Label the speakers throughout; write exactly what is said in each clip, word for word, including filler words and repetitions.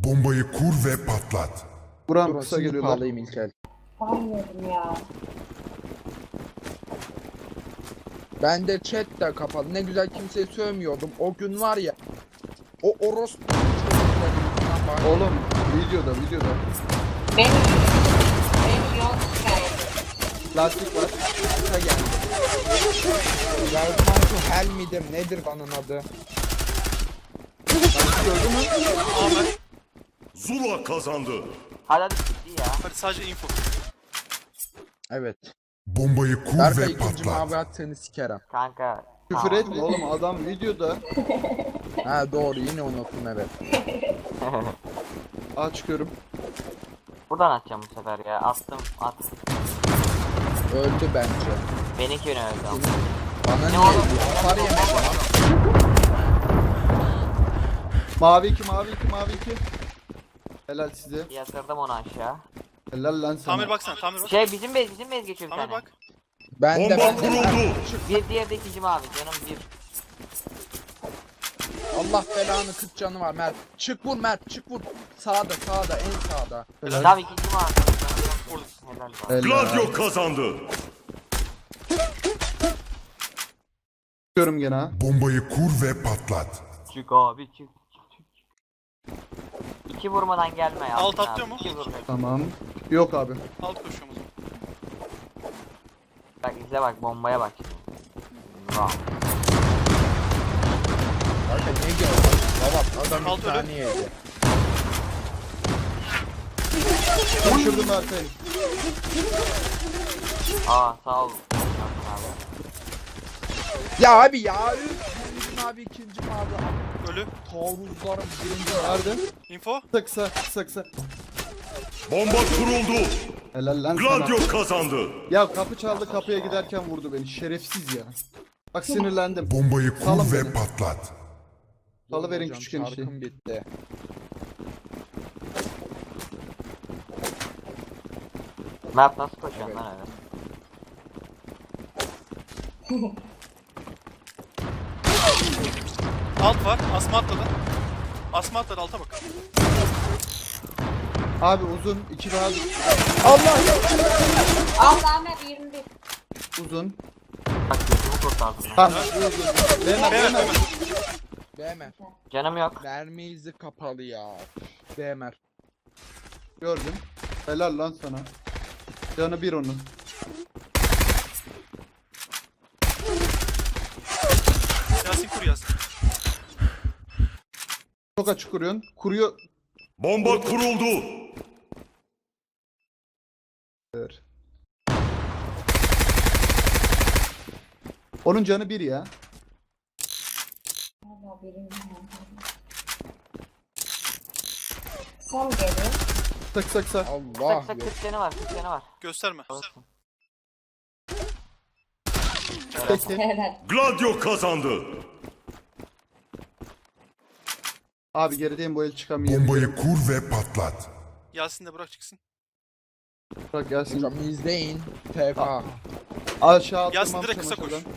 Speaker 1: Bombayı kur ve patlat.
Speaker 2: Buram
Speaker 3: Dur,
Speaker 2: kısa
Speaker 3: şimdi
Speaker 2: geliyorlar.
Speaker 3: pahalayayım İlkel.
Speaker 4: Anladım ya.
Speaker 3: Ben de chat de kapalı. Ne güzel kimseye sövmüyordum. O gün var ya. O orospu çocuklarından bari-
Speaker 2: Oğlum videoda videoda.
Speaker 4: Benim benim yol şikayeti.
Speaker 2: Lastik var.
Speaker 3: Kısa geldi. Welcome to hell midir? Nedir kanın adı?
Speaker 2: Gördün mü?
Speaker 5: Ahmet.
Speaker 6: Zula kazandı.
Speaker 7: Hadi hadi ciddi ya.
Speaker 5: Hadi sadece info.
Speaker 3: Evet.
Speaker 1: Bombayı kur
Speaker 3: Berkay
Speaker 1: ve
Speaker 3: ikinci
Speaker 1: patlat.
Speaker 3: mavi at seni sikerim.
Speaker 7: Kanka.
Speaker 2: Küfür
Speaker 7: tamam.
Speaker 2: etme oğlum, adam videoda.
Speaker 3: Ha doğru, yine unuttum, evet.
Speaker 2: Aa çıkıyorum.
Speaker 7: Buradan atacağım bu sefer ya. Attım at.
Speaker 3: Öldü bence.
Speaker 7: Benimki öne öldü ama.
Speaker 3: Bana
Speaker 7: Ne
Speaker 3: niye
Speaker 7: oğlum?
Speaker 3: öldü? Hasar yemedi lan.
Speaker 2: Mavi iki, mavi iki, mavi iki. Helal size.
Speaker 7: Yatırdım onu aşağı.
Speaker 2: Helal lan sana.
Speaker 5: Tamir baksana, tamir bak.
Speaker 7: Şey bizim bez bizim bez geçiyor bir
Speaker 5: Tamir
Speaker 7: tane.
Speaker 5: bak.
Speaker 3: Ben de
Speaker 6: Bomba
Speaker 3: ben de.
Speaker 6: kuruldu.
Speaker 7: Bir diğer de ikinci mavi canım bir.
Speaker 3: Allah belanı, kırk canı var Mert. Çık vur Mert, çık vur. Sağda sağda, en sağda.
Speaker 7: Tamam ikinci mavi.
Speaker 5: Vurdum.
Speaker 7: Helal bak.
Speaker 2: Helal.
Speaker 6: Gladio kazandı.
Speaker 2: Çıkıyorum gene ha.
Speaker 1: Bombayı kur ve patlat.
Speaker 7: Çık abi çık. çık, çık, çık. İki vurmadan gelme ya.
Speaker 5: Alt
Speaker 7: abi.
Speaker 5: atlıyor mu?
Speaker 7: İki vurma.
Speaker 2: Tamam. Yok abi.
Speaker 5: Alt koşuyorum o zaman.
Speaker 7: Bak izle bak bombaya bak şimdi. Vah.
Speaker 3: Kanka ne gördün? Baba adam
Speaker 5: Alt
Speaker 3: bir
Speaker 5: öyle.
Speaker 3: tane yedi.
Speaker 2: Düşürdüm Berkay'ı.
Speaker 7: Aa sağ ol. Abi.
Speaker 3: Ya abi ya. üf. Birinci mavi, ikinci mavi.
Speaker 5: Ölü.
Speaker 3: Taarruzlarım birinci
Speaker 2: Nerede?
Speaker 5: Info.
Speaker 2: Kısa kısa kısa kısa.
Speaker 6: Bomba kuruldu.
Speaker 2: Helal lan sana.
Speaker 6: Gladio kazandı.
Speaker 2: Ya kapı çaldı, kapıya giderken vurdu beni. Şerefsiz ya. Bak sinirlendim.
Speaker 1: Bombayı kur
Speaker 2: Salın
Speaker 1: ve
Speaker 2: beni.
Speaker 1: patlat.
Speaker 2: Salıverin
Speaker 3: Hocam,
Speaker 2: küçük enişte.
Speaker 3: şarkım bitti.
Speaker 7: Mert nasıl koşuyorsun lan öyle?
Speaker 5: Alt var. Asma atladı. Asma atladı, alta bak.
Speaker 2: Abi uzun. iki daha
Speaker 4: Allah'ım hep yirmi bir.
Speaker 2: uzun.
Speaker 7: Bak gözümü kurtardın lan.
Speaker 2: Tamam. Uzun. Beğenmem
Speaker 5: Evet,
Speaker 2: beğenmem.
Speaker 3: Beğmer.
Speaker 7: Canım yok.
Speaker 3: Mermi izi kapalı ya. Beğmer.
Speaker 2: Gördüm. Helal lan sana. Canı bir onun.
Speaker 5: Yasin kur Yasin.
Speaker 2: Çok açık kuruyorsun. Kuruyor.
Speaker 6: Bomba kuruldu.
Speaker 2: Onun canı bir ya.
Speaker 4: Allah birinci. Son geliyor.
Speaker 2: Kısa kısa kısa.
Speaker 3: Allah
Speaker 7: Kısa kısa
Speaker 3: yok.
Speaker 7: kırk canı var kırk canı var.
Speaker 5: Gösterme.
Speaker 7: Olsun.
Speaker 2: Peki.
Speaker 4: Helal.
Speaker 6: Gladio kazandı.
Speaker 2: Abi gerideyim, bu el çıkamıyor.
Speaker 1: Bombayı kur ve patlat.
Speaker 5: Yasin de bırak çıksın.
Speaker 2: Bırak gelsin.
Speaker 3: Hocam izleyin. T F A.
Speaker 2: Aşağı
Speaker 5: Yasin
Speaker 2: attırmam
Speaker 5: direkt kısa koş.
Speaker 2: çamaşırdan.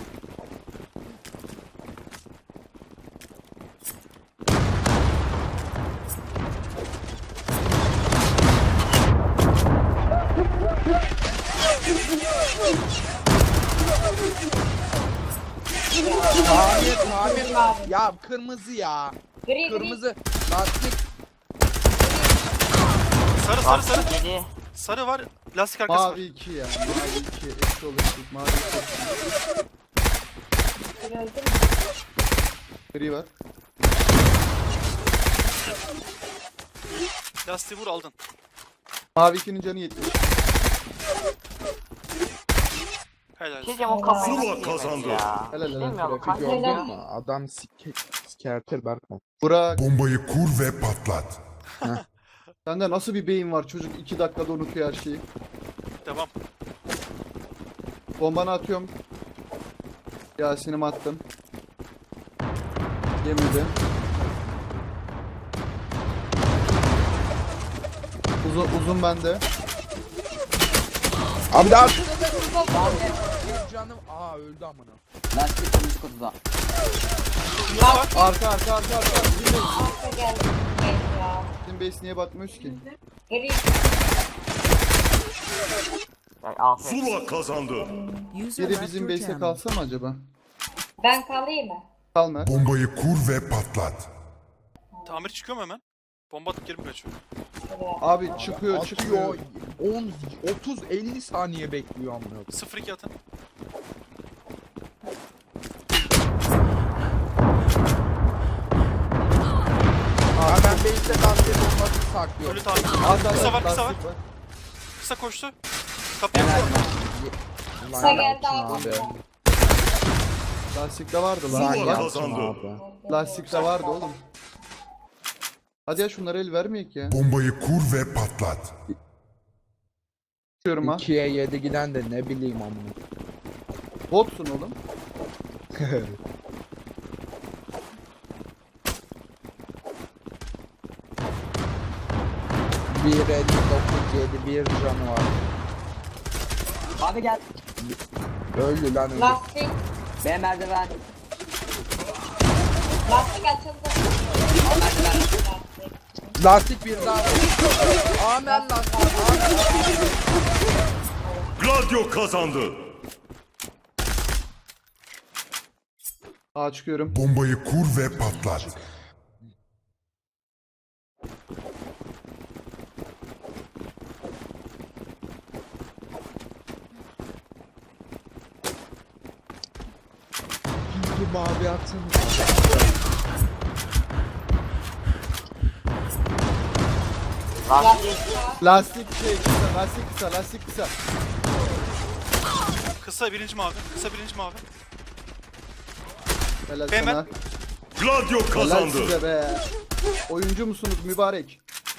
Speaker 3: Tamir tamir. Ya kırmızı ya.
Speaker 4: Gri gri.
Speaker 3: Kırmızı. Lastik.
Speaker 5: Sarı sarı sarı.
Speaker 7: Bak yedi.
Speaker 5: Sarı var. Lastik arkası var.
Speaker 2: Mavi iki ya. Mavi iki. Eksi oluştuk. Mavi iki.
Speaker 4: Gri öldü mü?
Speaker 2: Gri var.
Speaker 5: Lastiği vur aldın.
Speaker 2: Mavi ikinin canı yetmiş.
Speaker 5: Helal.
Speaker 7: Bir şey diyeceğim o kafayı
Speaker 6: Zula
Speaker 7: nasıl yemedi
Speaker 6: kazandı.
Speaker 7: ya.
Speaker 2: Helal, helal.
Speaker 7: Bilmiyorum
Speaker 3: Trafik
Speaker 7: kanka.
Speaker 3: gördün
Speaker 4: Helal.
Speaker 3: mü? Adam sike sikertir Berkay.
Speaker 2: Burak.
Speaker 1: Bombayı kur ve patlat.
Speaker 2: Sende nasıl bir beyin var? Çocuk iki dakikada unutuyor her şeyi.
Speaker 5: Devam.
Speaker 2: Bombanı atıyorum. Yasin'imi attım. Yemedi. Uzun, uzun bende.
Speaker 3: Abi daha bir canım. Aa öldü amına.
Speaker 7: Lastik kırmızı kutuda.
Speaker 2: Arka arka arka arka. Dinle.
Speaker 4: Arka geldi. Gel ya.
Speaker 2: base niye bakmıyoruz ki?
Speaker 4: Gri.
Speaker 7: Ya, aferin.
Speaker 6: Zula kazandı.
Speaker 2: Biri bizim base'e kalsa mı acaba?
Speaker 4: Ben kalayım mı?
Speaker 2: Kal Mert.
Speaker 1: Bombayı kur ve patlat.
Speaker 5: Tamir çıkıyor mu hemen? Bomba atıp geri mi kaçıyor?
Speaker 2: Abi çıkıyor
Speaker 3: Atıyor.
Speaker 2: çıkıyor.
Speaker 3: on, otuz, elli saniye bekliyor amına koyayım.
Speaker 5: sıfır iki atın.
Speaker 3: Ha ben base'de gazete bombası saklıyorum.
Speaker 5: Ölü tamir.
Speaker 2: Az az
Speaker 5: Kısa var,
Speaker 2: az
Speaker 5: kısa var.
Speaker 2: lastik var.
Speaker 5: Kısa koştu. Kapıyı vurdu.
Speaker 3: Ulan
Speaker 4: Kısa geldi
Speaker 3: Yalçın
Speaker 4: abi.
Speaker 2: Lastikte vardı
Speaker 3: Lan
Speaker 2: lan.
Speaker 6: Zula
Speaker 3: Yalçın
Speaker 6: kazandı.
Speaker 3: abi.
Speaker 2: Lastikte vardı oğlum. Hadi ya şunlara el vermeyek ya.
Speaker 1: Bombayı kur ve patlat.
Speaker 2: Çıkıyorum ha.
Speaker 3: ikiye yedi giden de ne bileyim amına.
Speaker 2: Botsun oğlum.
Speaker 3: bir elli dokuz yedi bir canı var.
Speaker 8: Abi gel.
Speaker 3: Öldü lan öldü.
Speaker 4: Lastik.
Speaker 8: B merdiven.
Speaker 4: Lastik açıldı. Lastik.
Speaker 3: Lastik bir daha. Amen lastik. Amen.
Speaker 6: Gladio kazandı.
Speaker 2: Aa çıkıyorum.
Speaker 1: Bombayı kur ve patlat.
Speaker 3: Bir mavi atın.
Speaker 7: Lastik.
Speaker 2: Lastik şey kısa, lastik kısa, lastik kısa.
Speaker 5: Kısa birinci mavi. Kısa birinci mavi.
Speaker 2: Helal
Speaker 5: Hemen.
Speaker 2: sana.
Speaker 6: Gladio
Speaker 2: Helal
Speaker 6: kazandı.
Speaker 2: size be. Oyuncu musunuz mübarek?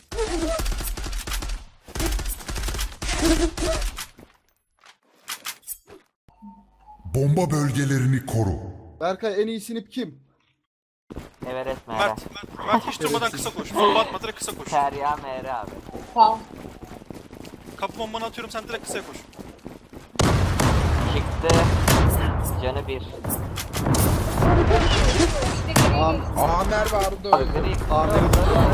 Speaker 1: Bomba bölgelerini koru.
Speaker 2: Berkay en iyi sinip kim?
Speaker 7: Everest Mere.
Speaker 5: Mert. Mert hiç durmadan kısa koş. Bomba atma direkt kısa koş.
Speaker 7: Terya Mere abi.
Speaker 4: Sağ.
Speaker 5: Kapı bombanı atıyorum sen direkt kısaya koş.
Speaker 7: Çıktı. Canı bir.
Speaker 4: İşte gri.
Speaker 2: Am
Speaker 3: Amer vardı öldü.
Speaker 7: Gri.
Speaker 2: Ahmet.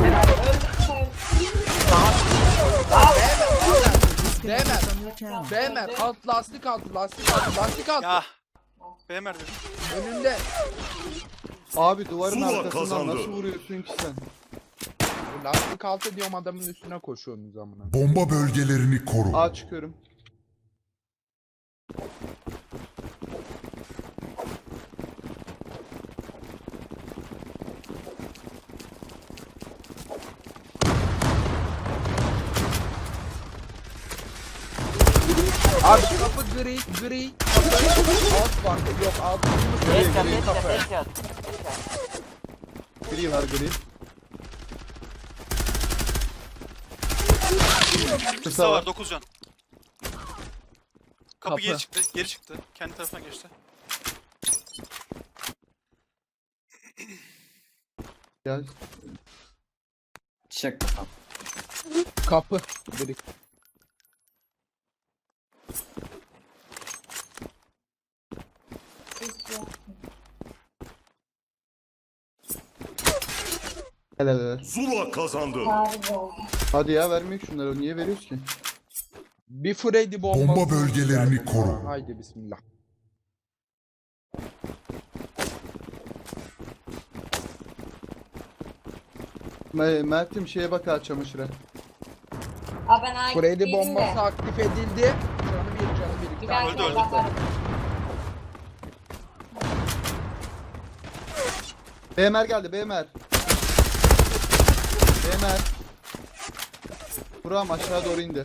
Speaker 3: Bemer. Bemer. Alt lastik altı. Lastik altı. Lastik altı.
Speaker 5: Ya. B Mert dedim.
Speaker 3: Önünde.
Speaker 2: Abi duvarın
Speaker 6: Zula
Speaker 2: arkasından
Speaker 6: kazandı.
Speaker 2: nasıl vuruyorsun ki sen?
Speaker 3: Lastik altı diyorum adamın üstüne koşuyorsunuz amına.
Speaker 1: Bomba bölgelerini koru.
Speaker 2: Aa çıkıyorum.
Speaker 3: Abi kapı gri, gri, kapı, alt vardı, yok alt gri,
Speaker 7: Headshot,
Speaker 3: gri
Speaker 7: headshot,
Speaker 3: kapı.
Speaker 7: headshot.
Speaker 2: Gri var gri.
Speaker 5: Kısa
Speaker 2: Kısa
Speaker 5: var
Speaker 2: var.
Speaker 5: dokuz can. Kapı,
Speaker 3: Kapı.
Speaker 5: geri çıktı. Geri çıktı. Kendi tarafına geçti.
Speaker 2: Gel.
Speaker 8: Çık.
Speaker 3: Kapı, gri.
Speaker 2: Helal helal.
Speaker 6: Zula kazandı.
Speaker 4: Tarih oldu.
Speaker 2: Hadi ya vermeyek şunları. Niye veriyoruz ki?
Speaker 3: Bir Freddy bombası.
Speaker 1: Bomba bölgelerini
Speaker 3: ver
Speaker 1: koru.
Speaker 3: bana. Haydi bismillah.
Speaker 2: Me- Mert'im şeye bak ha çamaşıra.
Speaker 4: Aa ben ait
Speaker 3: Freddy
Speaker 4: değilim de.
Speaker 3: bombası aktif edildi. Canı bir, canı bir.
Speaker 4: Bir
Speaker 3: Bir
Speaker 4: daha
Speaker 3: tane.
Speaker 5: Öldü, öldü.
Speaker 4: bakarım.
Speaker 2: B M R geldi B M R. B M R. Buram aşağı doğru indi.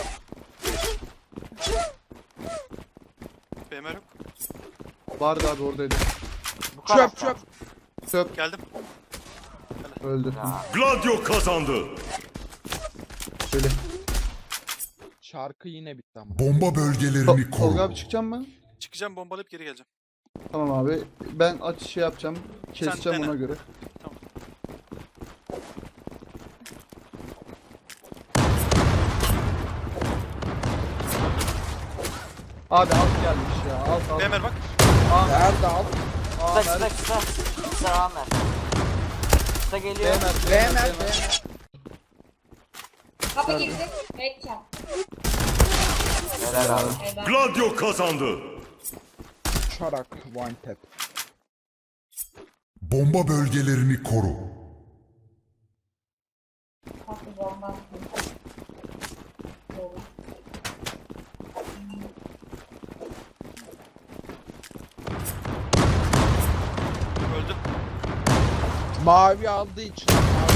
Speaker 5: B M R yok.
Speaker 2: Vardı abi oradaydı.
Speaker 7: Bu kadar.
Speaker 3: Çöp çöp.
Speaker 2: Çöp
Speaker 5: Geldim.
Speaker 2: öldü.
Speaker 6: Gladio kazandı.
Speaker 2: Böyle.
Speaker 3: Şarkı yine bitti ama.
Speaker 1: Bomba bölgelerini
Speaker 2: Tol- Tolga
Speaker 1: koru.
Speaker 2: abi çıkacak mı?
Speaker 5: Çıkacağım bombalayıp geri geleceğim.
Speaker 2: Tamam abi. Ben aç şey yapacağım. Keseceğim
Speaker 5: dene.
Speaker 2: ona göre.
Speaker 5: Tamam.
Speaker 2: Abi alt gelmiş ya. Alt alt.
Speaker 5: B M R bak.
Speaker 3: Nerede alt?
Speaker 2: Aa,
Speaker 7: Kısa,
Speaker 2: Mert.
Speaker 7: kısa, kısa. Kısa Amer. Kısa
Speaker 2: B
Speaker 7: geliyor.
Speaker 2: M R.
Speaker 3: B M R, B M R.
Speaker 4: Kapı girdi. Headshot.
Speaker 7: Helal abi.
Speaker 4: Helal.
Speaker 6: Gladio kazandı.
Speaker 3: Uçarak one tap.
Speaker 1: Bomba bölgelerini koru.
Speaker 4: Kapı bomba attı. Doğru.
Speaker 5: Öldü.
Speaker 3: Mavi aldığı için.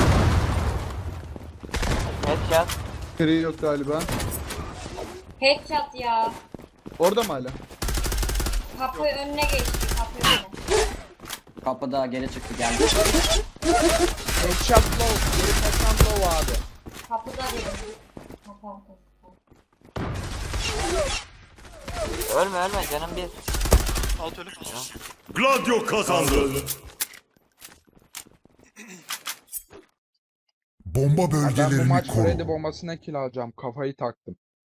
Speaker 7: Headshot.
Speaker 2: Gri yok galiba.
Speaker 4: Headshot ya.
Speaker 2: Orada mı hala?
Speaker 4: Kapı önüne geçti. Kapı önüne.
Speaker 8: Kapıda geri çıktı geldi.
Speaker 3: Headshot low. Geri kaçan low abi.
Speaker 4: Kapıda dedim. Kapı arkası.
Speaker 7: Ölme ölme canım bir.
Speaker 5: Alt ölü.
Speaker 6: Gladio kazandı.
Speaker 1: Bomba
Speaker 3: Ya ben bu
Speaker 1: bölgelerini
Speaker 3: maç
Speaker 1: koru.
Speaker 3: Freddy bombasına kill alacağım. Kafayı taktım.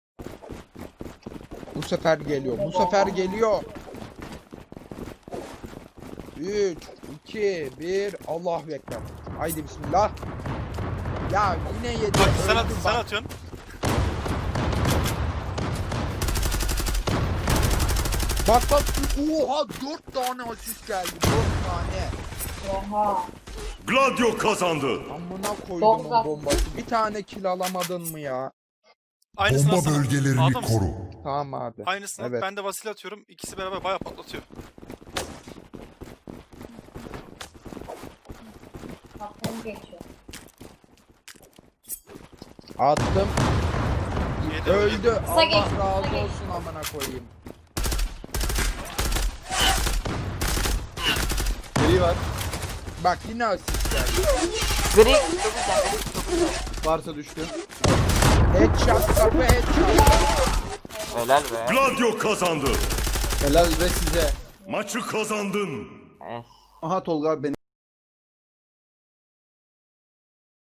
Speaker 3: Bu sefer geliyor. Bu sefer geliyor. üç, iki, bir. Allahu Ekber. Haydi bismillah. Ya yine yedi.
Speaker 5: Bak sen, at,
Speaker 3: Öldüm
Speaker 5: sen
Speaker 3: bak.
Speaker 5: atıyorsun.
Speaker 3: Bak bak. Oha dört tane asist geldi. dört tane.
Speaker 4: Oha.
Speaker 6: Gladio kazandı.
Speaker 3: Amına koydum
Speaker 4: Dokuz
Speaker 3: o bombası. Bir tane kill alamadın mı ya?
Speaker 5: Aynısını
Speaker 1: Bomba
Speaker 5: atsana.
Speaker 1: bölgelerini
Speaker 5: Aldı mısın?
Speaker 1: koru.
Speaker 3: Tamam abi.
Speaker 5: Aynısını.
Speaker 3: Evet.
Speaker 5: Ben de Vasil atıyorum. İkisi beraber bayağı patlatıyor.
Speaker 4: Kapıyı geçiyor.
Speaker 3: Attım.
Speaker 5: Yedi,
Speaker 3: Öldü.
Speaker 5: yedi.
Speaker 3: Allah
Speaker 4: geç, kısa
Speaker 3: razı
Speaker 4: geç.
Speaker 3: olsun amına koyayım.
Speaker 2: Gri var.
Speaker 3: Bak yine asist geldi.
Speaker 7: Gri. Çok güzel. Gri çok güzel.
Speaker 2: Varsa düştü.
Speaker 3: Headshot kapı headshot.
Speaker 7: Helal be.
Speaker 6: Gladio kazandı.
Speaker 2: Helal ve size.
Speaker 6: Maçı kazandın.
Speaker 7: Es.
Speaker 2: Aha Tolga abi beni.